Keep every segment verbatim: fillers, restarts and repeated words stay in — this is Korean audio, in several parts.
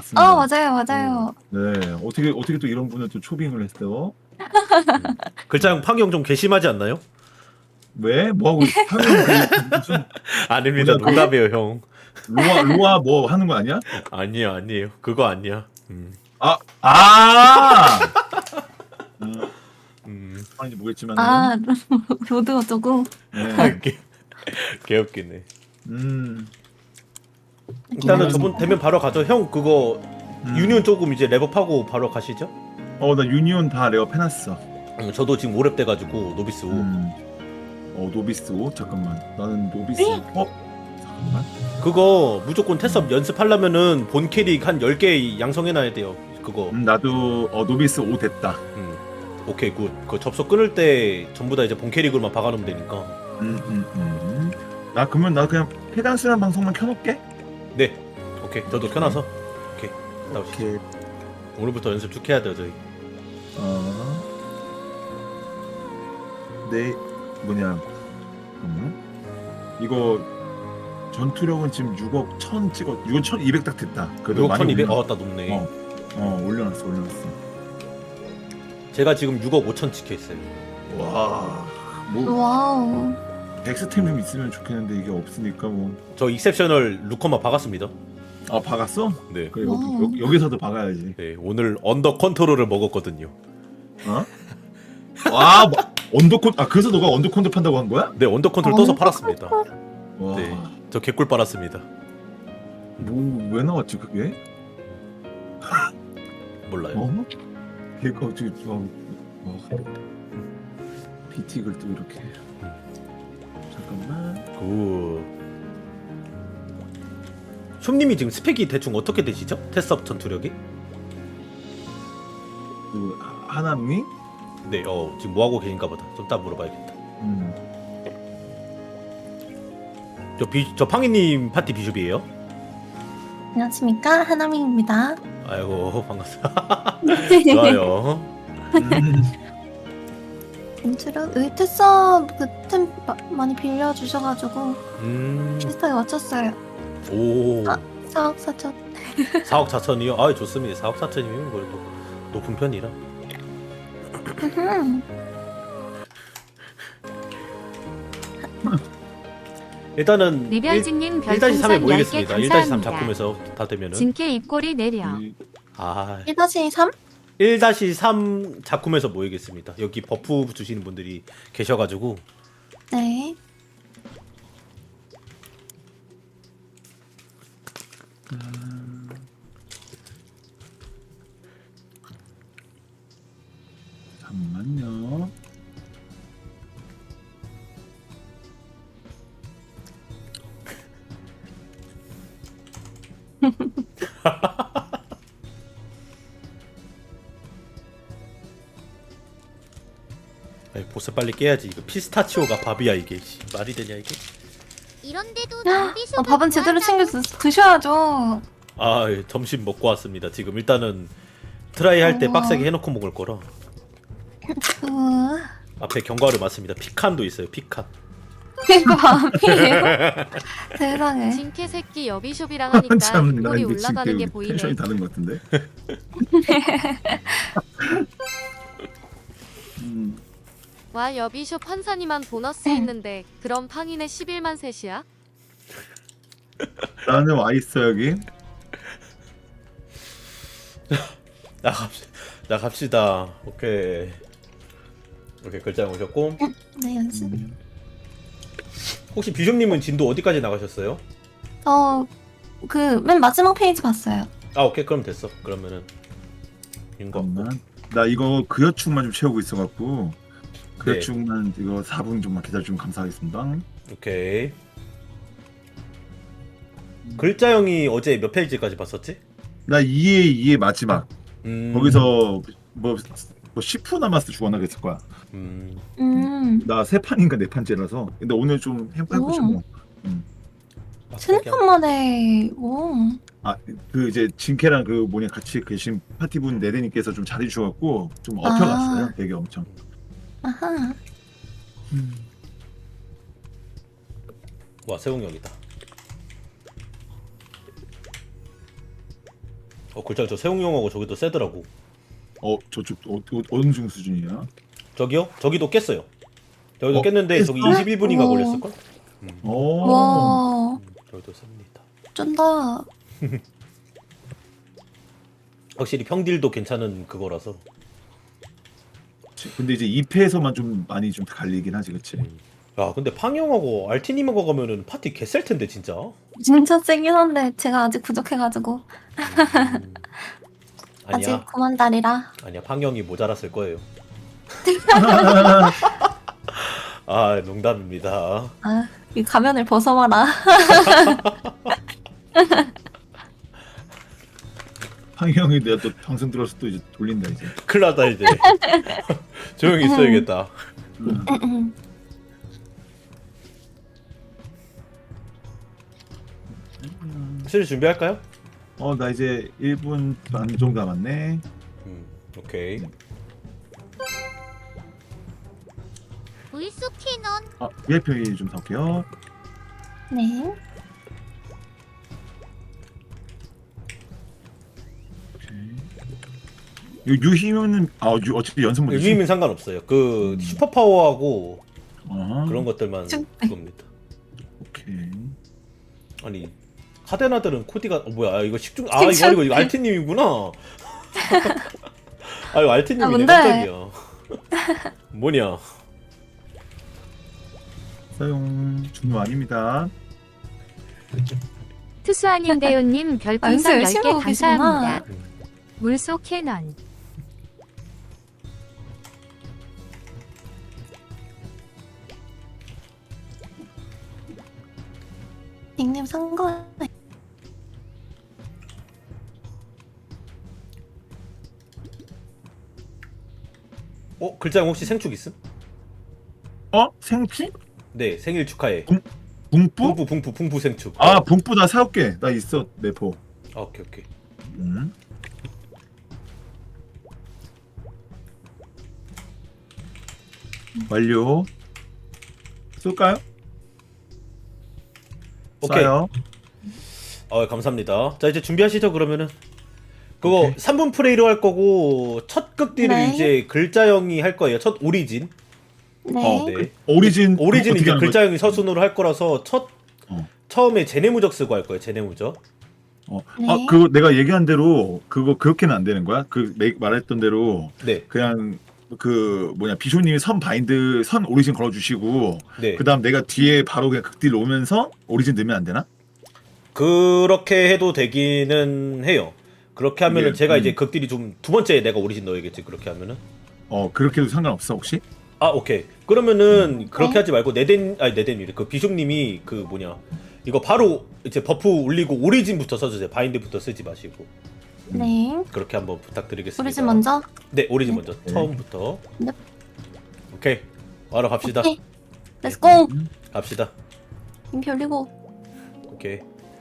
반갑습니다. 어 맞아요 맞아요. 네, 어떻게 어떻게 또 이런 분을 또 초빙을 했어요? 글자형 팡이 형 좀 괘씸하지 않나요? 왜? 뭐 하고 있어? 하면 그 무슨 아닙니다. 뭐냐, 그- 농담이에요 형. 로아 로아 뭐 하는 거 아니야? 아니야 아니에요. 그거 아니야. 음. 아, 아. 음, 음. 아닌지 모르겠지만. 아 로드 어쩌고. 네. 개, 개웃기네. 음. 일단은 음. 저번 되면 바로 가죠. 형 그거 음. 유니온 조금 이제 랩업하고 바로 가시죠. 어, 나 유니온 다 레어 해놨어. 음, 저도 지금 오랩 돼가지고 노비스 오. 음. 어, 노비스 오 잠깐만. 나는 노비스. 어? 잠깐만. 그거 무조건 테스업 연습하려면은 본 캐릭 한 열 개 양성해놔야 돼요. 그거. 음, 나도 어 노비스 오 됐다. 음. 오케이 굿. 그 접속 끊을 때 전부 다 이제 본 캐릭으로만 박아놓으면 되니까. 음, 음, 음. 나 그러면 나 그냥 페단스란 방송만 켜놓게. 네. 오케이. 저도 켜놔서. 오케이. 나오시죠. 오케이. 오늘부터 연습 쭉 해야 돼요 저희. 어. 네, 뭐냐. 잠깐만. 이거 전투력은 지금 육억 천 찍었. 육억 천이백 딱 됐다. 그래도 육억 많이 천이백. 올려- 어, 나 높네. 어. 어, 올려놨어, 올려놨어. 제가 지금 육억 오천 찍혀 있어요. 와. 뭐 와우. 엑스템 좀 있으면 좋겠는데 이게 없으니까 뭐. 저 익셉셔널 루커만 박았습니다. 아, 박았어? 네. 그래, 와. 여기, 여기, 여기서도 박아야지. 네. 오늘 언더 컨트롤을 먹었거든요. 어? 와, 뭐, 언더콘. 아, 그래서 너가 언더콘도 판다고 한 거야? 네. 언더 컨트롤 어, 떠서 팔았습니다. 와. 네. 저 개꿀 빨았습니다. 뭐 왜 나왔지 그게? 몰라요. 어? 걔가 어떻게 어, 어. 비틱을 또 이렇게. 잠깐만. 굿. 숍님이 지금 스펙이 대충 어떻게 되시죠? 테스업 전투력이? 그 하나미? 네. 어 지금 뭐 하고 계신가 보다. 좀 따 물어봐야겠다. 음. 저 비, 저 팡이님 파티 비숍이에요? 안녕하십니까 하나미입니다. 아이고 반갑습니다. 좋아요. 음. 인트로 여기 테서 그템 많이 빌려주셔가지고 음. 비슷하게 맞췄어요. 오. 아. 사억 사천. 사억 사천이요? 아 좋습니다. 사억 사천이면 그래도 높은 편이라. 일단은 리별진님 일 다시 삼에 별풍선 열 개 모이겠습니다. 일 다시 삼 감사합니다. 작품에서 다 되면은 진께 입꼬리 내려. 이- 아 일 다시 삼? 일 다시 삼 작품에서 모이겠습니다. 여기 버프 주시는 분들이 계셔가지고 네. 잠깐만요. 아이, 보스 빨리 깨야지. 이거 피스타치오가 밥이야 이게. 씨, 말이 되냐 이게? 이런데도 야, 노비숍을 어, 밥은 제대로 구한다고? 챙겨 드, 드셔야죠. 아 예, 점심 먹고 왔습니다. 지금 일단은 트라이 할 때 어. 빡세게 해놓고 먹을 거라. 그 앞에 견과류 맞습니다. 피칸도 있어요. 피칸. 이거 밤이에요? 세상에. 진캐 새끼 여비숍이랑 하니까 참, 나 입꼬리 근데 지금 올라가는 게 되게 보이네. 텐션이 다른 것 같은데. 음. 와 여비숍 한산이만 보너스 있는데 그럼 팡이네 십일만 셋이야? 나는 와 있어 여기. 나갑시 나갑시다. 오케이. 오케이 글자 오셨고 네 연습. 음. 혹시 비숍님은 진도 어디까지 나가셨어요? 저그 맨 마지막 페이지 봤어요. 아 오케이 그럼 됐어. 그러면은 인거 잠깐만. 나 이거 그여축만 좀 채우고 있어갖고 네. 그여축만 이거 사 분 좀만 기다려주면 감사하겠습니다. 오케이. 글자형이 어제 몇 페이지까지 봤었지? 나 이에 이의 마지막 음. 거기서 뭐, 뭐 십 분 남았을 때 죽었나 그랬을 거야. 음. 음. 나 세 판인가 네 판째라서. 근데 오늘 좀 해- 해보자 뭐. 세네 판 만에 오. 아그 이제 진캐랑 그 뭐냐 같이 계신 파티분 네데님께서 좀 잘해주셔갖고 좀 업혀갔어요. 아. 되게 엄청. 아하. 와 세웅 여기다. 어 글자 저 세웅용하고 저기도 세더라고. 어 저쪽 어, 어, 어느 정도 수준이야? 저기요? 저기도 깼어요. 저기도 어, 깼는데 저기 깼어? 이십일 분인가 오. 걸렸을걸? 오. 와, 음, 저기도 셉니다. 쩐다. 확실히 평딜도 괜찮은 그거라서. 근데 이제 이 패에서만 좀 많이 좀 갈리긴 하지, 그치? 야 근데 팡형하고 알티님하고 가면은 파티 개셀 텐데 진짜. 진짜 세긴 한데 제가 아직 부족해가지고 음, 아직 아니야 구만 달이라. 아니야 팡형이 모자랐을 거예요. 아 농담입니다. 아, 이 가면을 벗어봐라. 황희 형이 내가 또 방송 들어서 또 이제 돌린다 이제. 큰일났다 이제. 조용히 있어야겠다. 음. 슬 준비할까요? 어, 나 이제 일 분 반 정도 남았네. 음, 오케이. 불속 캐논. 아, 브이아이피 좀 살게요. 네. 요 유희면은 아, 유, 어차피 연습 문제지. 유임은 상관없어요. 그 음. 슈퍼 파워하고 어, 그런 것들만 쭉. 그겁니다. 오케이. 아니 카데나들은 코디가 어, 뭐야? 아, 이거 식중 아 이거 아니고 이거 알티님이구나. 아 이거 아, 알티님이네 뭔데? 깜짝이야. 뭐냐? 사용 중요 아닙니다. 투수아님 대요님 아, 연습 별풍선 열 열심히 개 하고 계시구나. 감사합니다. 물속 캐넌 닉님 상거. 어 글자형 혹시 생축 있음? 어? 생피? 네 생일 축하해. 붕뿌? 붕푸 붕푸 붕푸 생축. 아, 붕뿌 나 사올게. 나 있어, 내포. 아, 오케이 오케이. 음. 완료. 쏠까요? 오케이. 쏴요. 아 감사합니다. 자 이제 준비하시죠 그러면은. 그거 오케이. 삼 분 프레이로 할 거고 첫 극딜을 네. 이제 글자형이 할 거예요. 첫 오리진. 네. 어, 네. 오리진 오리진 어떻게 이제 하는 거지? 글자형이 서순으로 할 거라서 첫 어. 처음에 제네무적 쓰고 할 거예요. 제네무적. 어. 네. 아, 그거 내가 얘기한 대로 그거 그렇게는 안 되는 거야? 그 내, 말했던 대로 네. 그냥 그 뭐냐 비쇼님이 선 바인드 선 오리진 걸어주시고 네. 그다음 내가 뒤에 바로 그냥 극딜 오면서 오리진 넣으면 안 되나? 그렇게 해도 되기는 해요. 그렇게 하면은 네, 제가 음. 이제 극딜이 좀 두 번째에 내가 오리진 넣어야겠지. 그렇게 하면은. 어 그렇게 해도 상관없어 혹시? 아 오케이. 그러면은 음. 그렇게 네. 하지 말고 네덴 아니 네덴이래. 그 비숍님이 그 뭐냐 이거 바로 이제 버프 올리고 오리진부터 써주세요. 바인드부터 쓰지 마시고 네. 그렇게 한번 부탁드리겠습니다. 오리진 먼저. 네 오리진 먼저 네. 처음부터. 네. 오케이. 바로 갑시다. 오케이. 렛츠고. 갑시다. 인피 올리고. 오케이.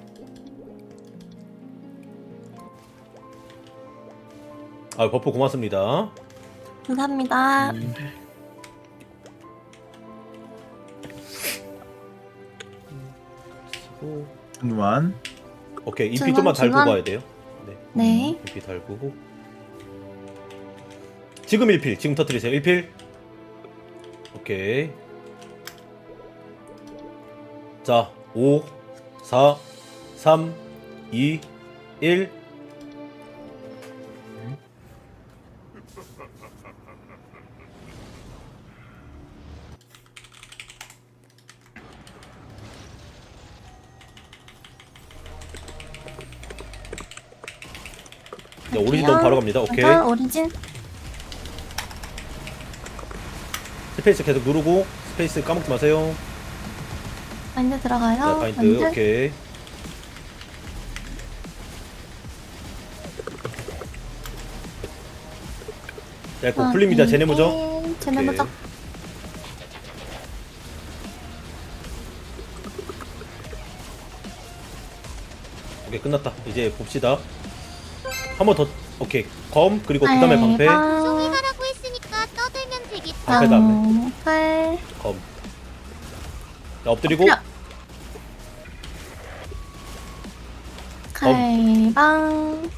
아 버프 고맙습니다. 감사합니다. 음. 쓰고. 준완. 오케이 인피 중간, 좀만 달고 중간. 가야 돼요. 네. 네. 인피 달고. 지금 일 필 지금 터뜨리세요. 일 필. 오케이. 자 오, 사, 삼, 이, 일. 자, 오리진 너무 바로 갑니다. 오케이. 일단 오리진. 스페이스 계속 누르고 스페이스 까먹지 마세요. 바인드 들어가요. 자, 바인드 오케이. 자, 곧 풀립니다. 제네모죠? 제네모죠. 오케이 끝났다. 이제 봅시다. 한 번 더. 오케이. 검 그리고 그 다음에 방패. 송이 하라고 했으니까 떠들면 되겠다. 방패 다음에 방패. 검. 자, 엎드리고 엎드려. 칼방.